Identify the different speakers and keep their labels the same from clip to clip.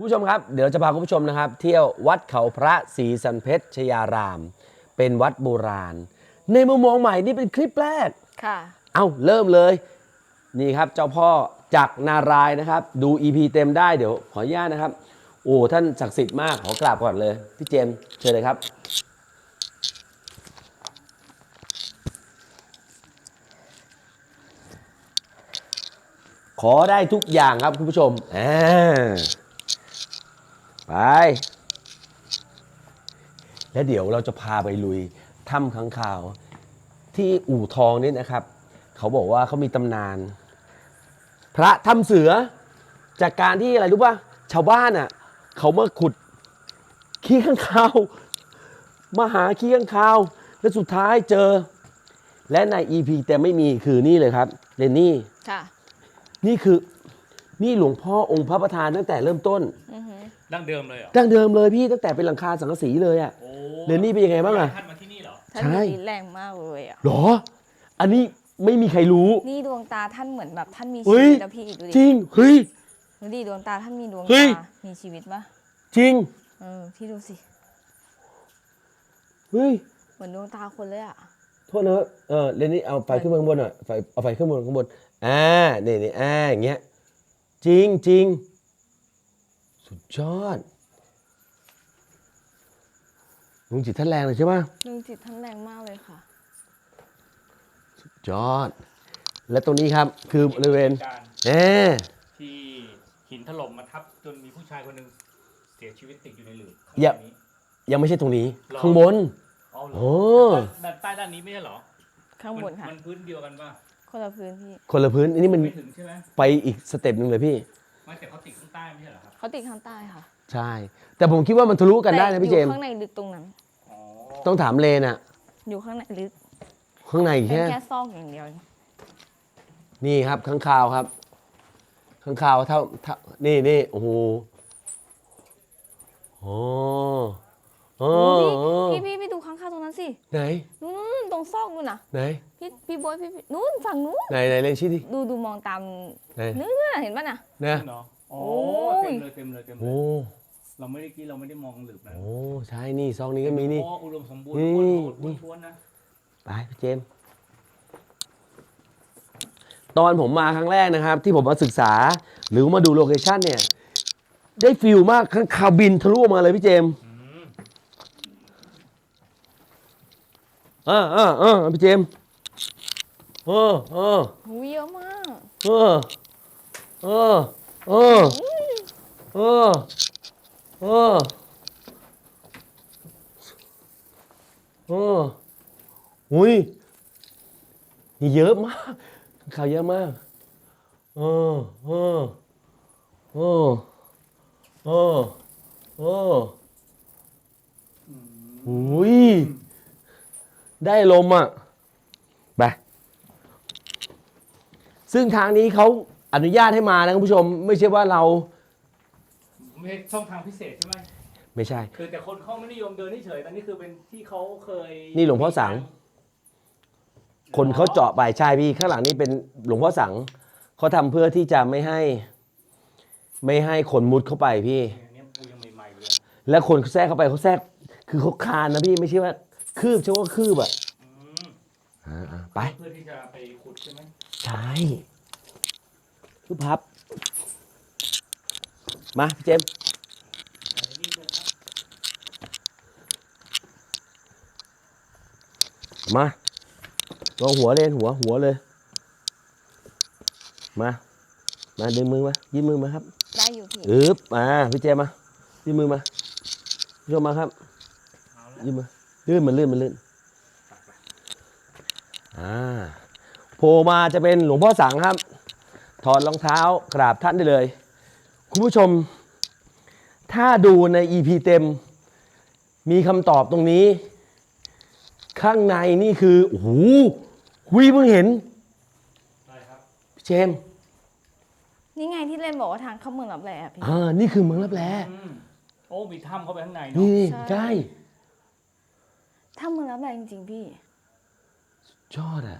Speaker 1: คุณผู้ชมครับเดี๋ยวจะพาคุณผู้ชมนะครับเที่ยววัดเขาพระศรีสันเพชรชยาราม เป็นวัดโบราณในมุมมองใหม่นี่เป็นคลิปแรก
Speaker 2: ค่ะ
Speaker 1: เอาเริ่มเลยนี่ครับเจ้าพ่อจักรนารายณ์นะครับดู EP เต็มได้เดี๋ยวขออนุญาตนะครับโอ้ท่านศักดิ์สิทธิ์มากขอกราบก่อนเลยพี่เจมส์เชิญเลยครับขอได้ทุกอย่างครับคุณผู้ชมไปแล้วเดี๋ยวเราจะพาไปลุยถ้ำค้างคาวที่อู่ทองนี่นะครับเขาบอกว่าเขามีตำนานพระถ้ำเสือจากการที่อะไรรู้ป่ะชาวบ้านอ่ะเขามาขุดขี้ข้างคาวมาหาขี้ข้างคาวแล้วสุดท้ายเจอและใน EP แต่ไม่มีคือนี่เลยครับเรนนี่
Speaker 2: ค่ะ
Speaker 1: นี่คือนี่หลวงพ่อองค์พระประธานตั้งแต่เริ่มต้น
Speaker 3: ดั้งเดิมเลยเหรอ
Speaker 1: ดั้งเดิมเลยพี่ตั้งแต่เป็นหลังคาสังกะสีเลยอ่ะเรนนี่เป็นยังไงบ้างอ่ะ
Speaker 3: ท่านมาที่นี่เหรอ
Speaker 2: ท่านมีฤทธิ์แรงมากเลยอ่ะ
Speaker 1: หรออันนี้ไม่มีใครรู้
Speaker 2: นี่ดวงตาท่านเหมือนแบบท่านมีชีวิตแล้วพี่ดูดิ
Speaker 1: จริงเฮ้ย
Speaker 2: ดูดิดวงตาท่านมีดวงตามีชีวิตปะ
Speaker 1: จริง
Speaker 2: พี่ดูสิ
Speaker 1: เฮ้ย
Speaker 2: เหมือนดวงตาคนเลยอ่ะ
Speaker 1: โทษนะเรนนี่เอาไฟขึ้นมาข้างบนหน่อยเอาไฟขึ้นบนข้างบนนี่อย่างเงี้ยจริงจริงสุดยอดดวงจิตท่านแรงเลยใช่ไหม
Speaker 2: ดวงจิตท่านแรงมากเลยค่ะ
Speaker 1: สุดยอดและตรงนี้ครับคือบริเวณ
Speaker 3: ที่หินถล่มมาทับจนมีผู้ชายคนหนึ่งเสียชีวิตติดอยู่ในหลืบ
Speaker 1: ยังไม่ใช่ตรงนี้ข้างบน
Speaker 3: โอ้ใต้ด้านนี้ไม่ใช่เหรอ
Speaker 2: ข้างบนค่ะ
Speaker 3: มันพื้นเดียวกันป่ะ
Speaker 2: คนละพื้นพี่
Speaker 1: คนละพื้นอันนี้มัน
Speaker 3: ไม่ถึงใช่ไหม
Speaker 1: ไปอีกสเต็ปหนึ่งเลยพี่
Speaker 3: ไม่แต่เขาติดข้างใต้ไม่ใช่เหรอครับ
Speaker 2: เขาติดข้างใต้ค่ะ
Speaker 1: ใช่แต่ผมคิดว่ามันทะลุกันได้นะพี่เจมส์
Speaker 2: อยู่ข้างในลึกตรงนั้น
Speaker 1: ต้องถามเลนอะ
Speaker 2: อยู่ข้างในลึก
Speaker 1: ข้างใน
Speaker 2: แค่ซอกอย่างเดียว
Speaker 1: นี่ครับข้างคาวครับข้างคาวเท่านี่โอ้โห
Speaker 2: พี่ดูข้างๆตรงนั้นสิ
Speaker 1: ไหน
Speaker 2: นู้นตรงซอกนู่นน่ะ
Speaker 1: ไหน
Speaker 2: พี่บอยพี่นู้นฝั่งนู้น
Speaker 1: ไหนเล่นชี้ดิ
Speaker 2: ดูมองตามเนื้อเห็นป่ะน่ะ
Speaker 1: เนี่ย
Speaker 3: โอ้เต็มเลย
Speaker 1: โอ้
Speaker 3: เราไม่ได้มองหลืบนะ
Speaker 1: โอ้ใช่นี่ซองนี้ก็มีนี่
Speaker 3: อุดมสมบูรณ์
Speaker 1: นี่
Speaker 3: ท้วนนะ
Speaker 1: ไปพี่เจมส์ตอนผมมาครั้งแรกนะครับที่ผมมาศึกษาหรือมาดูโลเคชั่นเนี่ยได้ฟิลมากข้างคาวบินทะลุมาเลยพี่เจมส์พี่เจมส์
Speaker 2: หูเยอะมาก
Speaker 1: อุ้ยนี่เยอะมากข่าวเยอะมากอุ้ยได้ลมอ่ะไปซึ่งทางนี้เขาอนุญาตให้มานะคุณผู้ชมไม่ใช่ว่าเรา
Speaker 3: ไม่ใช่ช่องทางพิเศษใช่ไหม
Speaker 1: ไม่ใช่
Speaker 3: คือแต่คนเขาไม่นิยมเดินเฉยแต่นี่คือเป็นที่เขาเคย
Speaker 1: นี่หลวงพ่อสังคนเขาเจาะไปใช่พี่ข้างหลังนี่เป็นหลวงพ่อสังเขาทำเพื่อที่จะไม่ให้คนมุดเข้าไปพี่แล้วคนแทรกเข้าไปเขาแทรกคือเขาคานนะพี่ไม่ใช่ว่าคืบใช่ว่าคืบอ่ะไป
Speaker 3: เพื่อที่จะไปขุดใช่ไหม
Speaker 1: ใช่คือพับมาพี่เจมส์มาลองหัวเลยหัวเลยมาดึงมือมายื่นมือมาครับ
Speaker 2: ได้อยู่พี่
Speaker 1: มาพี่เจมมายื่นมือมาพี่ชมมาครับยื่นมือลื่นมันลื่นโผล่มาจะเป็นหลวงพ่อสังครับถอดรองเท้ากราบท่านได้เลยคุณผู้ชมถ้าดูใน EP เต็มมีคำตอบตรงนี้ข้างในนี่คือโอ้โหเพิ่งเห็น
Speaker 3: ใช่ครับ
Speaker 1: พี่เจม
Speaker 2: นี่ไงที่เล่นบอกว่าทางเข้าเมืองลับแลพี่
Speaker 1: นี่คือเมืองลับแล
Speaker 3: โอ้มีถ้ำเข้าไปข้างในเนาะ
Speaker 1: นี่ใช่
Speaker 2: ถ้ำเมืองลับแลจริงๆพี่
Speaker 1: ยอดอ่ะ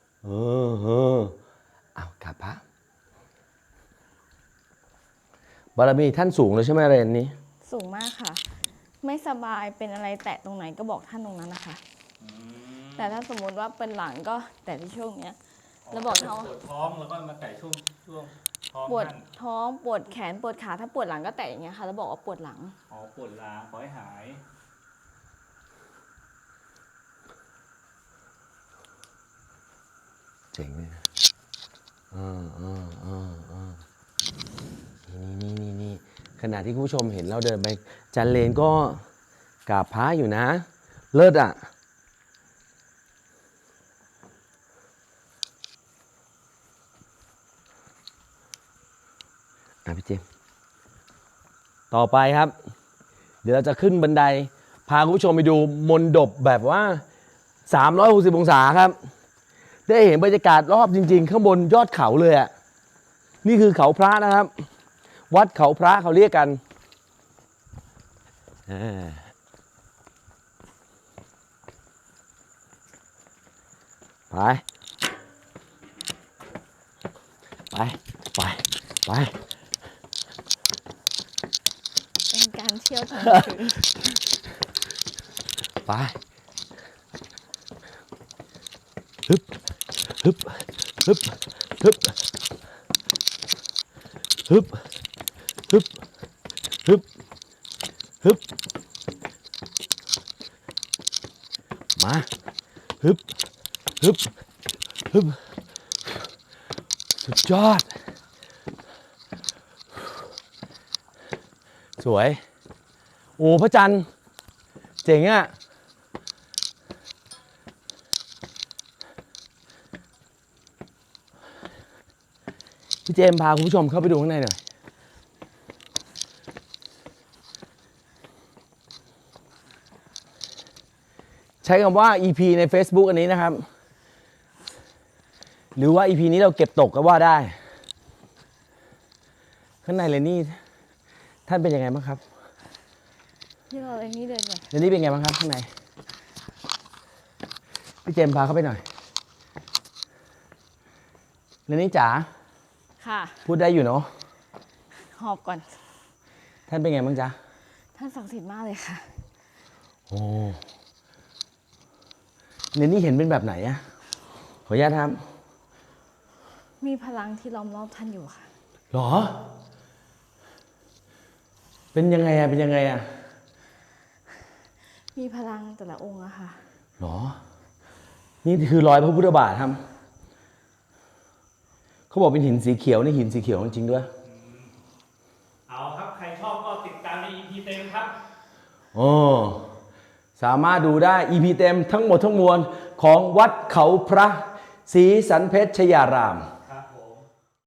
Speaker 1: เอากราบพระบารมีท่านสูงเลยใช่ไหมเรนนี้
Speaker 2: สูงมากค่ะ ไม่สบายเป็นอะไรแตะตรงไหนก็บอกท่านตรงนั้นนะคะ แต่ถ้าสมมุติว่าเป็นหลังก็แตะที่ช่วงเนี้ย แล้วบอกเขา
Speaker 3: ปวดท้องแล้วก็มาแตะช่วงท้อง
Speaker 2: ปวด
Speaker 3: ท่าน
Speaker 2: ท้องปวดแขนปวดขาถ้าปวดหลังก็แตะอย่างเงี้ยค่ะ แล้วบอกว่าปวดหลัง
Speaker 3: อ๋อปวดล้าขอให้หาย
Speaker 1: เจ๋งเลยนะนี่ขณะที่คุณผู้ชมเห็นเราเดินไปจันเลนก็กราบพระอยู่นะ เลิศอ่ะ พี่เจมส์ต่อไปครับ เดี๋ยวเราจะขึ้นบันได พาคุณผู้ชมไปดูมนดบแบบว่า 360 องศาครับ ได้เห็นบรรยากาศรอบจริงๆ ข้างบนยอดเขาเลยอ่ะ นี่คือเขาพระนะครับ วัดเขาพระเขาเรียกกันไปไปไปไป
Speaker 2: เป็นการเที่ยวทางคืน
Speaker 1: ไปฮึบฮึบฮึบฮึบฮึบฮึบฮึบฮึบมาฮึบฮึบฮึบสุดยอดสวยโอ้พระจันทร์เจ๋งอ่ะพี่เจมส์พาคุณผู้ชมเข้าไปดูข้างในหน่อยใช้คำว่า EP ใน Facebook อันนี้นะครับหรือว่า EP นี้เราเก็บตกก็ว่าได้ข้างในเลยนี่ท่านเป็นยังไงบ้างครับ
Speaker 2: ที่เราเลยนี่เดินก่อน
Speaker 1: เรนนี่เป็นไงบ้างครับข้างในพี่เจมส์พาเข้าไปหน่อยเรนนี่จ๋า
Speaker 2: ค่ะ
Speaker 1: พูดได้อยู่เนาะ
Speaker 2: หอบก่อน
Speaker 1: ท่านเป็นไงบ้างจ๊ะ
Speaker 2: ท่านศักดิ์สิทธิ์มากเลยค่ะ
Speaker 1: โอ้เรนนี่เห็นเป็นแบบไหนอะขออนุญาตครับ
Speaker 2: มีพลังที่ล้อมรอบท่านอยู่ค่ะ
Speaker 1: หรอ เป็นยังไงอะเป็นยังไงอะ
Speaker 2: มีพลังแต่ละองค์อะค่ะ
Speaker 1: หรอ นี่คือรอยพระพุทธบาทครับเขาบอกเป็นหินสีเขียวนี่หินสีเขียวจริงๆด้วย
Speaker 3: เอาครับใครชอบก็ติดตามใน EP เต็มครับ
Speaker 1: โอ้สามารถดูได้ EP เต็มทั้งหมดทั้งมวลของวัดเขาพระศรีสันเพชรชยาราม